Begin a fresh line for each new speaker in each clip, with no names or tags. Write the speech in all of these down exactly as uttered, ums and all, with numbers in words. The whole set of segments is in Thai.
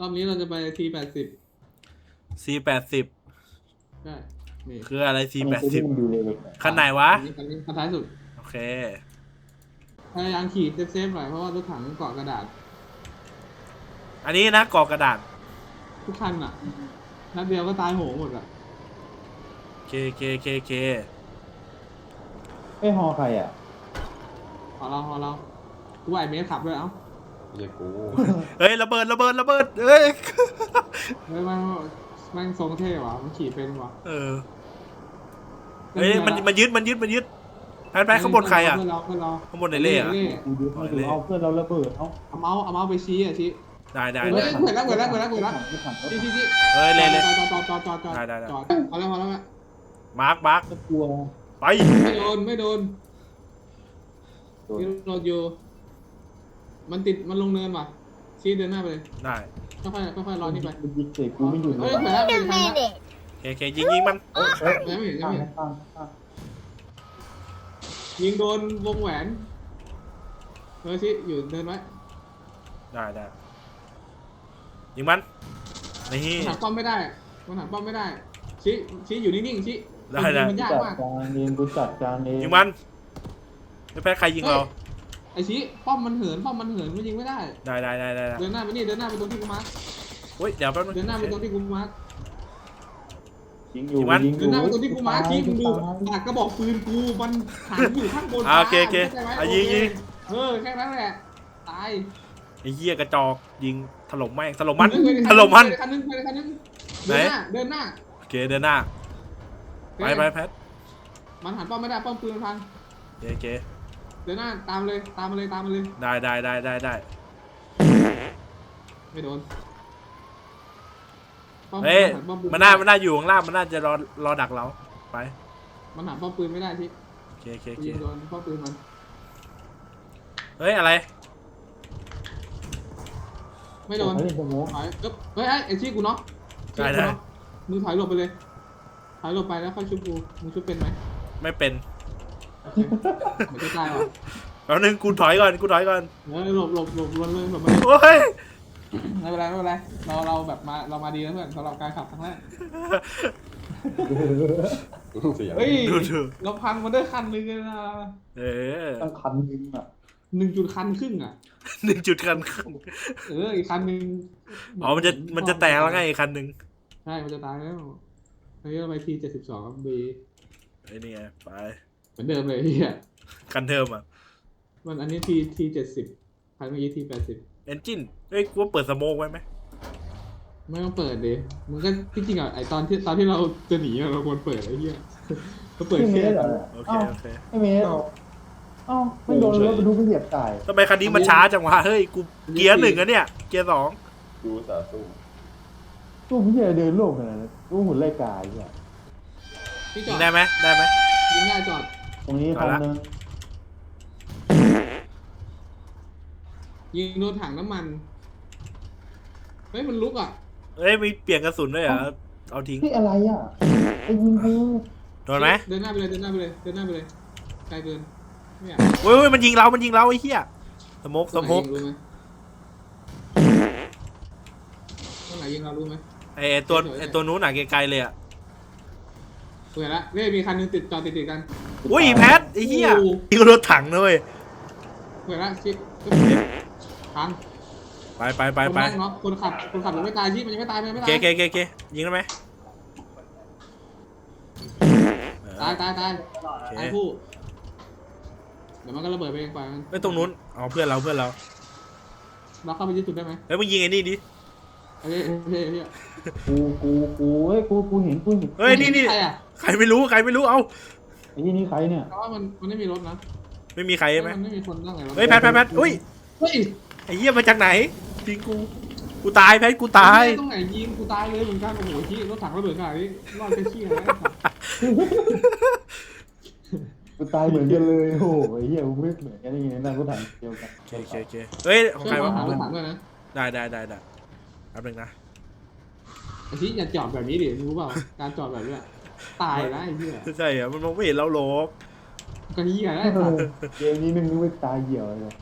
รอบนี้เราจะไปทีแปดสิบ
ซีแปดสิบ
ได้นี่
คืออะไรซีแปดสิบ
ดูเลย
คันไหนวะ
คันนี้คันนี้คันท้ายสุด
โอเค
พยายามขี่เซฟๆหน่อยเพราะว่ารถถังเกาะกระดาษ
อันนี้นะกรอกกระดาษ
ทุกคันอ่ะนัดเดียวก็ตายโหงหมดอ่ะ
เคเคเคเค
ไอ้ฮอใครอ่ะ
พอเราพอเรากูว่าไอเมสขับด้วยเอ้า
เรียกกู
เฮ้ยระเบิดระเบิดระเบิดเฮ้ย
เฮ้ยมันมันทรงเท่ว่ะมันขี่เป็นว่ะ
เออเฮ้ยมันมันยึดมันยึดมันยึดแพนแพนข้างบนใครอ่ะ
เพื่อนเราเพื่อนเรา
ข้างบนไหนเล่อะ
กูดูให้ดูเอาเพื่อนเราระเบิดเอา
เอาเมาส์เอาเมาส์ไปชี้อ่ะชี้
ได้ได้
เฮ้
ได้
ยเหมือนแล้วเหมือนแล้วเหมือนแล้วเหมือนแล้วชี้ชี้ชี้
เฮ้ยเล่เล่
จอดจอดจอดจอดจอด
ได้ได้ได้
จอดพอแล้วพอแล้ว
มาร์คมาร์ค
ก็กลัว
ไป
ไม่โดนไม่โดนมีรถอยู่มันติดมันลงเนินว่ะชี้เดินหน้าไปเลย
ได้
ค่อยๆค่อยๆรอนี่ไป
มันยิงเสกกูไม่หยุดเล
เฮ้ย
ย
เหมือนแล้วเหมือนแล้ว
เคเคยิงยิงมัน
เฮ้ยเฮ้ย
ไม่เห็น
ข้าง
ไม่เห็น
ข้างข้าง
ยิงโดนวงแหวนเฮ้ยชี้อยู่เดินไว้
ได้ได้ยิงมันนี่
มันหักป้อมไม่ได้มันหักป้อมไม่ได้ชี้ชี้อยู่นิ่งๆชี้
ได้ได้
มันยาก
จัด
มาก
การเองกูจัดการเอง
ยิงมันไม่แพ้ใครยิงเรา
ไอชี้ป้อมมันเหินป้อมมันเหินมันยิงไม่ได้
ได้ได้ได้ได้ได้
เดินหน้าไปนี่เดินหน้าไปตรงที่กูมาร์ค
เฮ้ยเดี๋ยวแป๊บนึง
เดินหน้าไปตรงที่กูมาร์ค
ยิงอยู่
ยิงมัน
ยิงอ
เดิ
ยู่
นหน้าไปตรงที่กูมาร์คชี้มึงดูปากกระบอกปืนกูมันหันอยู่ข้างบน
อ่าโอเคโอเค
ข้าใจไหม
อ่ะยิงยิง
เออแค่นั้นแหละตาย
ไอ้เหี้ยกระจอกยิงถล่มแม่งถล่มมันถล่มมัน
คันนึงคันนึง
ไหน
เดินหน้าเดินหน้า
โอเคเดินหน้าไปไปแพท
มันหันป้อมไม่ได้ป้อมปืนมันพัง
โอเคโอเค
เดินหน้าตามเลยตามมาเลยตามมาเลย
ได้ได้ได้ได้ได้
ไม่โดนป้อม
เฮ้ย
หัป้อปื
มันน่ามันน่าอยู่ข้างล่างมันน่าจะรอรอดักเราไป
มันหันป้อมปืนไม่ได้ที่
โอเคโอเคโอเค
ยิงโดนป้อมปืนมัน
เฮ้ยอะไร
ไม่โดน
เฮ้ยสมอง
ถอยเอ๊บเฮ้ยไอ้ไอ้ชี้กูเนาะชี้กูเนาะมึงถอยหลบไปเลยถอยหลบไปแล้วค่อยชุบกูมึงชุบเป็นไหม
ไม่เป็น
เหมือนจะตายว่ะ
แป๊บนึงกูถอยก่อนกูถอยก่อน
เออหลบหลบหลบวนเลยหลบมา
โอ้ย
ไม่เป็นไรไม่เป็นไรเราเราแบบมาเรามาดีนะเพื่อนสำหรับการขับครั้งแรก
เสียง
เฮ้ย
ดูดู
เราพังมันด้วยคันหนึงเลยนะ
เออ
ตั้งคันยิงอ่ะ
หนึ่งจุดคันครึ่งอ่ะ
หนึ่งจุดคันครึ่ง
เอออีกคันหนึง
อ๋อมันจะมันจะแตกแล้วไงอีกคันหนึ่ง
ใช่มันจะตายแล้วอันนี้เราไปทีเจ็ดสิบสองครับบี
ไอ้นี่ไงไป
เหมือนเดิมเลยเฮีย
คันเทิมอ่ะ
มันอันนี้ทีทีเจ็ดสิบคันเมื่อกี้ทีแปดสิบ
เอนจินเฮ้ยกูว่าเปิดสโมกไว้ไหม
ไม่ต้องเปิดดิมันก็ที่จริงอ่ะไอตอนที่ตอนที่เราจะหนีอะเราควรเปิดไอ้เหี้ยก็เปิด
ไม่เม
แค่
สเหรอ
โอเคโอเค
ไม่เมสเอ้าไม่โดนรถบรรทุกไม่เหยียบตาย
ทำไมคันนี้มันช้าจังวะเฮ้ยกูเกียร์หนึ่งอะเนี่ยเกียร์สอง
ดูสาสู้
ตู้ไม่ใช่เดินโลกขนาดนั้นตู้หุ่นไล่กายอ่ะ
พี่จ
ยิ
อง ด
ได้ไหมได้ไหม
ยิงได้จอด
ตรงนี้คันนึง
ยิงโดนถังน้ำมันเฮ้ยมันลุกอ่ะ
เฮ้ยมีเปลี่ยนกระสุนด้วยเหรอเอาทิ้ง
นี่อะไรอ่ะไอ้ยิงกู
โดนไหม
เดินหน้าไปเลยเดินหน้าไปเลยเดินหน้าไปเลยไกลเกินไม่อยาก
เฮ้ยเฮ้ยมันยิงเรา มันยิงเราไอ้เหี้ยสโมกสโมก
รู้ไหมตรงไหนยิงเรารู้ไหม
ไอ้ไอ้ตัวไอ้ตัวนู้นหนักไกลๆเลยอ่ะ
เปิดละเนี่ยมีคันนึงติดจอดติดติดกัน
อุ้ยแพทไอ้เหี้ย
โอ้โห
นี่ก็รถถังนะเว้ย
เปิดละชิปพัง
ไปไปไปไป
คนนั่งเนาะคนขับคนขับยังไม่ตายชิปมันยังไม่ตายมันยังไม่
โอเค
ตาย
โอเคโอเคยิงได้ไหม
ตายตายตาย
โอเค
ตายคู่เดี๋ยวมันก็ระเบิดไปเองไปมัน
ไม่ตรงนู้นเอาเพื่อนเราเพื่อนเรา
เราเข้าไปยึดจุดได้ไหม
เฮ้ยมึงยิงไอ้นี่ดิ
โอเคโอเคโอเค
กูกูกูเฮ้ยกูกูเห็นกูเห็น
เฮ้ยนี่นี่
ใครอ่ะ
ใครไม่รู้ใครไม่รู้เอา
ไอ้ยี่นี่ใครเนี่ย
เพราะว่ามันมันไม่มีรถนะ
ไม่มีใครใช่ไหม
มันไม่มีคนนั่งไง
เฮ้ยแพทแพทแพทอุ้ย
เฮ้ย
ไอ้เหี้ยมาจากไหนยิงกูกูตายแพทกูตาย
ตรงไหนยิงกูตายเลยเหมือนกันโอ้โหที่รถถังระเบิดขนาดนี้รอดแค่ขี้นะ
กูตายเหมือนกันเลยโอ้โหไอ้เหี้ยกูไม่เหมือนกันยังไงนั่งกูถ่ายเดียวกัน
โอเคโอเคโอเคเฮ้ยของ
ช่วย
ใครวะ
หารถถังด้วยนะ
ได้ได้ได้ได้แป๊บนึงนะ
ไอ้ที่อย่าจอดแบบนี้ดิรู้เปล่าการจอดแบบนี้ตายนะไอ้เหี้ย
ใช่เหรอมันมองไม่เห็นเราหรอก
ก็เหี้ยนะ
เกมนี้นึงนึกว่าตายเหี่ยวเลย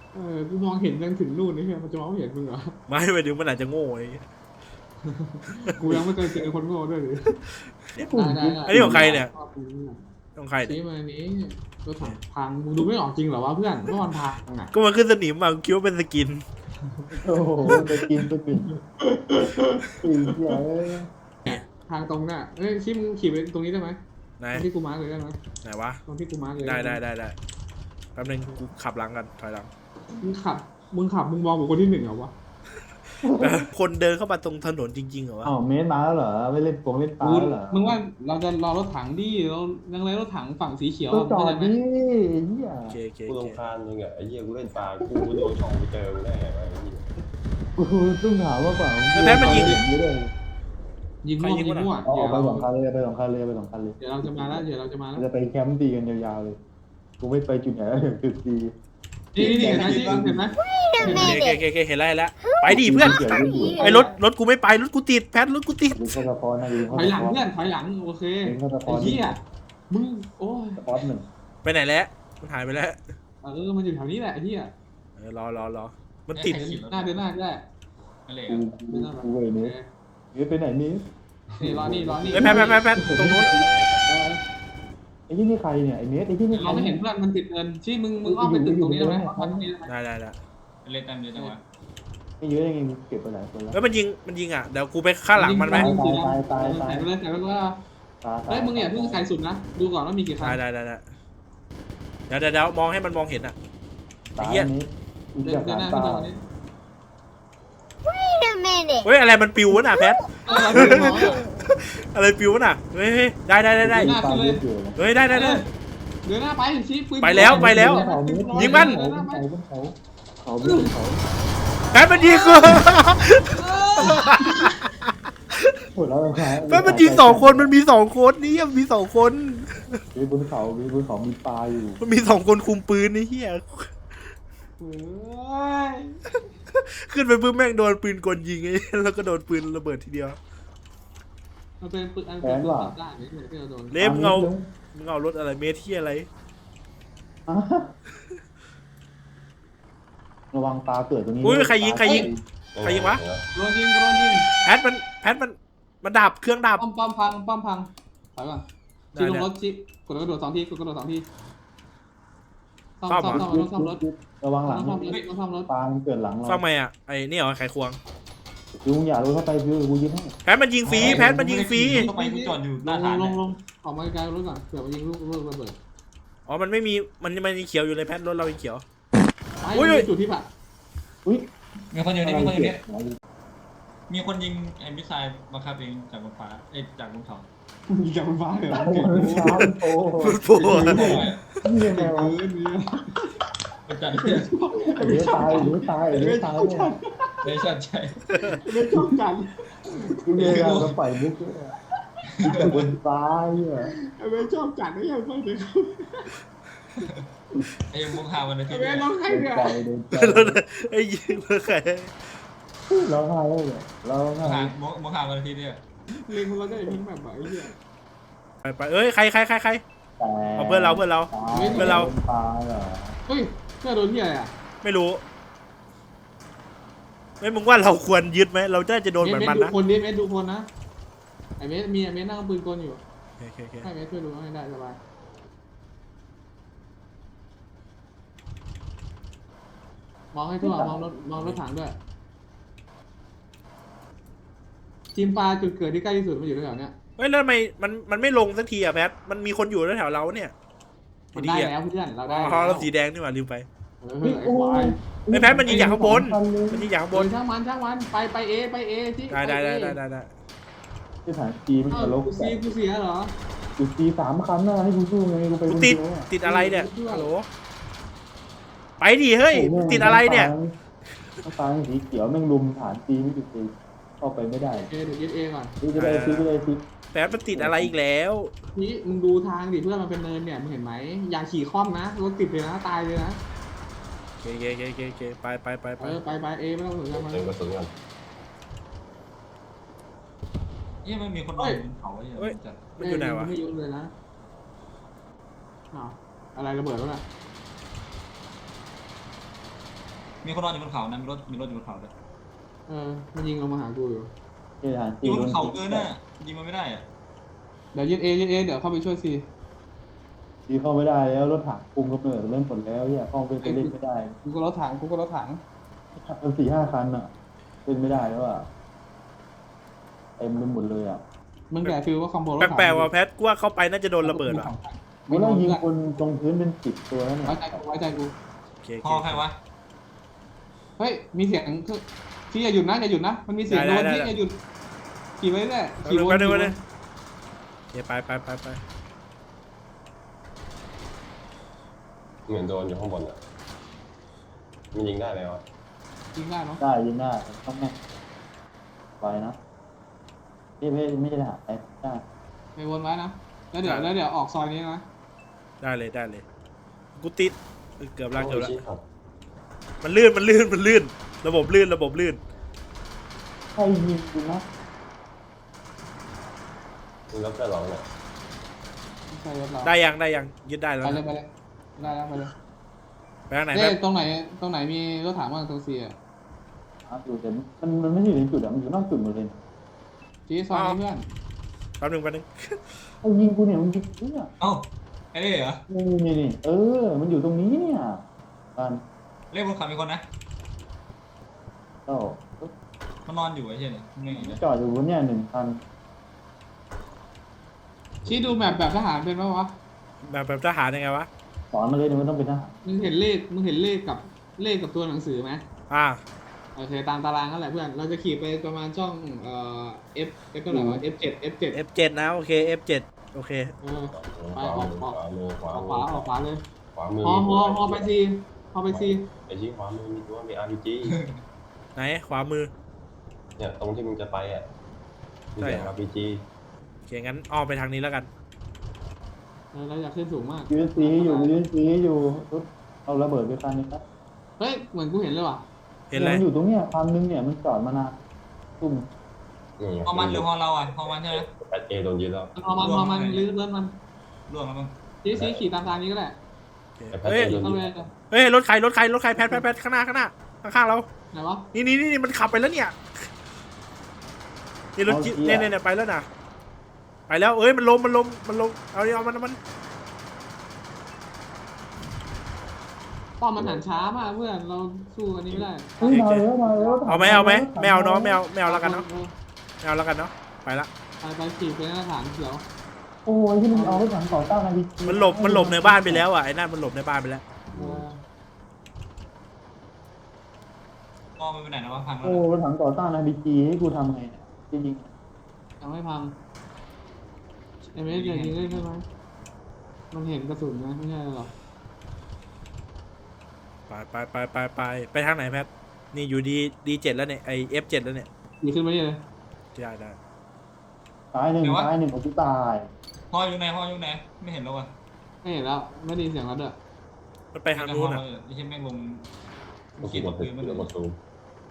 เออกูมองเห็นยังถึงนู่นนี่มันจะมองไม่เห็นมึงเหรอ
ไม่ไปถึงมันอาจจะโง่ไอ้เหี้ย
กูยังไม่เคยเจอคนโง่ด้วยเลยได้ได้
อันนี้ของใครเนี่ยของใครเนี่ย
ชี้มาอันนี้รถถังพังมึงดูไม่ออกจริงเหรอวะเพื่อนว่ามันพังอ่ะ
ก็มันขึ้นสนิมมากูคิดว่าเป็นสกิน
โอ้โหไปกินไปกินปีเหี้ยเอ้ย
ทางตรงน่ะเอ้ยชี้มึงขี่ไปตรงนี้ได้ไหม
ไหน
ตรงที่กูมาร์กเลยได้ไหม
ไหนวะ
ตรงที่กูมาร์กเลย
ได้ได้ได้ได้แป๊บนึงกูขับหลังกันถอยหลัง
มึงขับมึงขับมึงมองบุคคลที่หนึ่งเหรอวะ
คนเดินเข้ามาตรงถนนจริงๆเหรอวะ
อ้าวเมสมาแล้วเหรอไม่เล่นปงเล่นปลา
มึง
แล้วเหรอ
มึงว่าเราจะรอรถถังดิเรายังไรรถถังฝั่งสีเขียว
ก็จอ
เข้า
ด
ใจไหม
ดิเหี้ย
โอเคโอเค
กู
โอเค
รำคาญมึงอ่ะไอ้เหี้ยกูเล่นปลากูโดนช่องไปเจอมึงได้ไงวะไอ้เหี้ย
กูต้องถามว่าเปล่า
แพ้มันยิง
อย่างนี้เลย
ยิงมั่วยิงมั่ว
เอา
เดี๋ยว
ไปสองคันเลยไปสองคันเลยไปสองคันเลย
เดี๋ยวเราจะมาแล้วเดี๋ยวเราจะมาแล้ว
จะไปแคมป์ตีกันยาวๆเลยกูไม่ไปจุดไหนถึงจุดตี
นี่นี่เห็นไหมชี้เห็นไหม
โอเคโอเคโอเคเห็นแล้วเห็นแล้วไปดิเพื่อนไอ้รถรถกูไม่ไปรถกูติดแพทรถกูติด
ดูข้อสะพอนนะดู
ถ
ข้อ
อยห
สะ
ลัง
พอน
เพื่อนถอยหลังโอเค
เป็นข้อสะพ
ไอ้
อน
เหี้ยมึงโอ้ย
สะพอนหนึ่ง
ไปไหนแล้วมันหายไปแล้ว
เออมันอยู่แถวนี้แหละไอ้เหี้ย
เออรอรอรอมันติด
หน้าเดินหน้าได้
อะไร
กู
อ่ะ
กูกูเว้ยนี้นี่ไปไหนนี่
นี่รอนี่รอนี่
ไอ้แพทแพทแพทแพทตรงนู้น
ไอ้ที่นี่ใครเนี่ยไอ้เมสไอ้ที่นี่ใคร
เราไม่เห็นเพื่อนมันติดเงินชี้มึงมึงอ้อมไปตึกตรงนี้ได้ไหมอ้อมไปตรงนี้ได้ไหม
ได้ได้ได้
เล่นตามเยอะจังวะ
ไม่เยอะยังไงเก็บไปหลายคนแล้ว
เฮ้ยมันยิงมันยิงอ่ะเดี๋ยวกูไปข้างหลังมันไหม
ตายตายตายตาย
ใส่ไปเลยใส่ไปเลยว่า
ตาย
เฮ้ยมึงอย่าเพิ่งใส่สุดนะดูก่อนว่ามีกี่คัน
ได้ได้ได้ได้เดี๋ยวเดี๋ยวเดี๋ยวมองให้มันมองเห็นอ่ะ
ตายนี้กู
เดิน
จะ
เดินหน้า
ตา
ขึ้นตรงนี้
Wait a minute.
เฮ้ยอะไรมันปิววะน่ะแพท
เออเราเดินมองแล้ว
อะไรปิววะน่ะเฮ้ยเฮ้ยได้ได้ได้ได้
ตายเยอะเกิน
เฮ้ยได้ได้ได้
เดินหน้าไปชี้ปืน
ไปแล้วไปแล้ว ยิงมัน
เขาเขาเขาเขาไม่เขา
แพทมันยิงกู
ปวดแล้วครับ
แพทมันยิงสองคนมันมีสองคนนี่มีสองคน
มีบนเขามีบนเขามีปลาอยู่
มันมีสองคนคุมปืนนี่เฮีย
เฮ้ย
ขึ้นไปปุ๊บแม่งโดนปืนกลยิงไอ้แล้วก็โดนปืนระเบิดทีเดียว
มันเป็นปืนอันเป็นปืนตัดได้ไม่ใช่ที่เราโดน
เล็บเงามึงเอารถอะไรเมที่อะไร
ระวังปลาเกิดตรงนี้
อุ้ยใครยิงใครยิง ใครยิงวะ
โดนยิงโดนยิง
แพทมันแพทมันมันดับเครื่องดับ
ป้อมป้อมพังป้อมพังถอยก่อน
ได้
ชี้ลง
ได้
รถชี้กดกระโดดสองทีกดกระโดดสองทีซ่อม
ซ่อม
ซ่อม
เหรอ
ซ่อมรถซ่อมรถ
ระวังห
ต้
ลั
อง
ง
ซ่อมรถต้องซ่อมรถ
ปลาเกิดหลังเรา
ซ่อมไงอ่ะไอ้นี่เหรอไขควง
คือมึงอย่ารู้เข้าไปคือกูยิงให้
แพทมันยิงฟรีแพทมันยิงฟรี
เข้าไปกูจอดอยู่ห
ล
น้าง ฐาน
ล
เนี่
ง
ย
ลงออกมาไกลๆรถก่อนเผื่อมันยิงลูกลูกระเบิด
อ๋อมันไม่มีมันมันยังเขียวอยู่เลยแพทรถเรายังเขียว
ไป
อุ้ย
มีจุดที่แบบ
อุ้ย
มีคนอยู่นี่มีคนอยู่นี่
อะไร
มีคนยิงไอ้มิสไซล์บังคับเองจากบนฟ้าเอ้ยจากบนเขา
ยิงจากบนฟ้าเลยเหรอ
โอ้โหช้าโอ้โห
โอ้โห
นี่ยังไงวะ
เออมี
เป็นจัดเนี่ย
เดี๋ยวตายเดี๋ยวตายเดี๋ยวตายเนี่ย
เลยชัดใจ
ไม่ชอบกัน
กูเนี่ยเราปล่อยมุกเนี่ยแต่บนฟ้าเนี่ย
ไม่ชอบกันไม่อยากฟังเลย
ไอ้มุกฮาวันอาทิตย์
ไม่
เนี่ย
ร้องไห้
โดน
เนี่ย
ใจโดนใจ
ไอ้ยิงเพื่อใคร
ร้องไห้เลยเนี่ยร้อง
มุก
ไห้
ฮามุกมุกฮาวันอาทิตย์เนี่ย
เล็งเราได้เพิ่งแบบไหนเนี่ย
ไปไปเอ้ยใครใครใครใคร
แต่
เอาเพื่อนเราเพื่อนเรา เพื่อนเรา
ปลาเหรอ
เฮ้ยเพื่อโดนที่อะไรอ่ะ
ไม่รู้ไม่มึงว่าเราควรยึดไหมเราจะจะโดนเหมือนมัน
ดู
นะ
คนดิเมสดูคนนะไอเมสมีไอเมสนั่งปืนกลอยู่
โอเคโอเค
ให้เมสช่วยดูให้ได้สบายมองให้ทั่วมองรถมองรถถังด้วยทีมปลาจุดเกิดที่ใกล้ที่สุดมันอยู่แถวๆเนี้ย
เฮ้ยแล้วทำไมมันมันไม่ลงสักทีอะแพทมันมีคนอยู่แถวเราเนี่ย
มันได้แล้วเพื่อนเราได้
อ๋อเราสีแดงนี่หว่าลืมไป
เออไอ้ควาย
ไอ้แพทมันยิงจากข้างบนมันยิงจากข้าง
บบ น
น
ช่างมันช่างมันไปไปเอไปเอที่
ได้ได้ได้ได้ได้ได้
ที่ฐานจีมัน
เอ้า
ตลก
กูซีกูเสียเหรอ
กูจีสามคันนะให้กูสู้ไงกูไป
กู
คน
ติด
เดียวอะ
ติดอะไรเนี่ยฮัลโหลไปดิเฮ้ยติดอะไรเนี่ย
ต้องตายสีเขียวแม่งลุมฐานจีไม่ติดตีเข้าไปไม่ได้
เอเดี๋ยวยึดเอก่อน
ดูจะได้ซีไม่ได้ซี
แพทมันติดอะไรอีกแล้ว
นี่มึงดูทางดิเพื่อนมันเป็นเนินเนี่ยมึงเห็นไหมอย่าขี่คล่อมนะรถติดเลยนะตายเลยนะ
โอเคโอเคโอเคโอเคโอเคไปไปไปไป
เออไปไปเอไม่ต้องสนใจมัน
เติมกระสุนกัน
นี่มันมีคนนอนบนเขาไอ้เนี่ยจัด
มันอยู่ไหนวะ
ไม่ยุ่งเลยนะอ้าวอะไรระเบิดวะน่ะ
มีคนนอนอยู่บนเขานะมีรถมีรถอยู่บนเขาด้วย
เออมันยิงลงมาหากูอยู่
เฮ้ยทหาร
อ
จี
ยู่
น
บนเขาเกินน่ะยิงมันไม่ได้อะ
เดี๋ยวยึดเอยึดเอเดี๋ยวเข้าไปช่วยซี
จีเข้าไม่ได้แล้วรถถังคุมกำเนิดเริ่มหมดแล้วเนี่ยเข้าไปเล่นไม่ได้
กูก็รถถังกูก็รถถัง
มันสี่ห้าคันอ่ะเล่นไม่ได้แล้วอ่ะเต็มไปหมดเลยอ่ะ
มึงแกฟิลว่าคอมโบรถถัง
แปลกๆว่ะแพทกูว่าเข้าไปน่าจะโดนระเบิดว่ะ
ไม่ต้องยิงคนตรงพื้นเป็นสิบตัวแล้วเนี่ย
ไว้ใจกูไว้ใจกู
โอเค
พอใครวะ
เฮ้ยมีเสียงที่อย่าหยุดนะอย่าหยุดนะมันมีเสียงโดนที่อย่าหยุดขี่ไว้เรื่อย
ไป
ขี่วน
ไป
ขี่
ไป
วน
เลยโอเคไปไปไปไป
เหมือนโดนอยู่ข้างบนอ่ะมันยิงได้ไหมวะ
ยิงได้เนาะ
ได้ยิงได้ต้องแม่ไปนะนี่ไม่ไม่ใช่ทหารไปได้
ไปวนไว้นะแล้วเดี๋ยวแล้วเดี๋ยวออกซอยนี้นะ
ได้เลยได้เลยกูติดเกือบละเกือบละ
โอ้ยชี้ครับ
มันลื่นมันลื่นมันลื่น ระบบลื่นระบบลื่น
ใครยิงกูนะ
มึงรับได้หรอเนี่ย
ไม่ใช่รถเรา
ได้ยังได้ยังยึดได้แล้ว
ไปเลย
นะ
ไปเลยได้แล้วไปเลย
ไปทางไหน
เอ้
แป๊
ย
บ
ตรงไหนตรงไหนมีรถถังบ้างตรงเสีย
อ่ะอยู่แต่มันมันไม่ใช่อยู่ในจุดอ่ะมันอยู่นอกจุดหมดเลย
ชี้ซอยนี้เพื่อน
แป๊บหนึงแป๊บหนึง
ไอ้ยิงกูเนี่ยมันยิงกูเนี่ย
เอ้าไอ้เล่เหรอ
นี่นี่นี่เออ มันอยู่ตรงนี้เนี่ยบ้าน
เล่บนเขามีคนนะ
เจ้า
มันนอนอยู่ไอ้เช่นนี่ไม่เห็นเลย
จอดอยู่บนเนี่ยหนึ่งคัน
ชี้ดูแบบแบบทหารเป็นไหมวะ
แบบแบบทหารยังไงวะ
สอนมาเลยเนี่ยมันต้องเป็นทหาร
มึงเห็นเลขมึงเห็นเลขกับเลขกับตัวหนังสือไหม
อ่า
โอเคตามตารางนั่นแหละเพื่อนเราจะขี่ไปประมาณช่องเอ่อ F F เท่าไหร่วะ F เจ็ด F เจ็ด
เอฟ เจ็ด นะโอเค เอฟ เจ็ด โอเค
เออ
ขวามือขวามือขวา
ออก
มื
ขวาออกขวาเลย
ขวามือ
ฮอฮอฮอไปซีฮอไปซี
ไอ้ชี้ขวามือมีตัวมี อาร์ พี จี
ไหนขวามือ
เนี่ยตรงที่มึงจะไปอ่ะมีแต่
ใช่ครับ
อาร์ พี จี
โอเคงั้นอ้อมไปทางนี้แล้วกัน
เออเราอยากขึ้นสูงมาก
ยูเอสซีอยู่ยูเอสซีอยู่รถเอาระเบิดไปคันนึงนะ
เฮ้ยเหมือนกูเห็นเลยว่ะ
เห็นอะไร
มันอยู่ตรงเนี้ยคันนึงเนี่ยมันจอดมานานตุ่ม
นี่ไง
พอมันหรือพอเราอ่ะพอมันใช่ไหม
แปดเอโดนยึดแล้ว
พอมันพอมันลื้อเลื่อนมัน
ล่วงแล้วมั้ง
ชี้ชี้ขี่ตามทางนี้ก็ได้
โอเคเฮ้ย
เอาเลย
เฮ้ยรถใครรถใครรถใครแพทแพทแพทข้างหน้าข้างหน้าข้างๆเรา
ไหนวะ
นี่นี่นี่มันขับไปแล้วเนี่ยนี่รถจิ๊บเนี่ยเนี่ยเนี่ยไปแล้วนะไปแล้วเอ้ยมันลมมันลมมันลมเอาดิเอามันเอามัน
ป้อมมันหันช้ามากเพื่อนเราสู้อันนี้ไม่ได้
เฮ้ยมาแล้วมาแล้ว
เอาไหมเอาไหมไม่เอาเนาะไม่เอาไม่เอาแล้วกันเนาะไม่เอาแล้วกันเนาะไปละ
ไปไปขี่ไปหน้าฐานเขียว
โอ้ยที่มันเอารถถังต่อต้านอะไร
มันหลบมันหลบในบ้านไปแล้วอ่ะไอ้นั่นมันหลบในบ้านไปแล้ว
เออ
มองมันไปไหนนะวะพังแล้ว
โอ้รถถังต่อต้านอาร์พีจีให้กูทำไงเนี่ยจริง
ยังไม่พังเอ็มเอสยิงได้ใช่ไหมมันเห็นกระสุนนะไม่ใช่หรอ
ไปไปไปไปไปไปทางไหนแพทนี่อยู่ดีดีเจ็ดแล้วเนี่ยไอเอฟเจ็ดแล้วเนี่ย
ขี่ขึ้นมานี่เลย
ได้ได้
ๆตายหนึ่งตายหนึ่งของกูตาย
พ่ออยู่ไหนพ่ออยู่ไหนไม่เห็นแล้วอ่ะ
ไม่เห็นแล้วไม่ได้ยินเสียงแล้วด้วย
มันไปทางนู้นอ่ะ
ไอ้เช่นแม่งลง
กด
ขีด
กด
พื้นมัน
กดซูม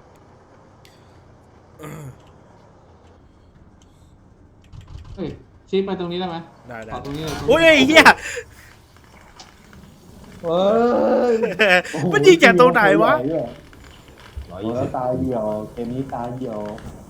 เฮ้ยชี้ไปตรงนี้ได้ไหม
ได้ได้
ขอตรงนี้เลย
โอ้ยไอ้เหี้ย
เฮ้ย
มันยิงจากตรงไหนวะ
ร้อย
โอ้
ยี่
แล้
สิ
ว
บ
ตายเดี่ยวเกมนี้ตายเดี่ยว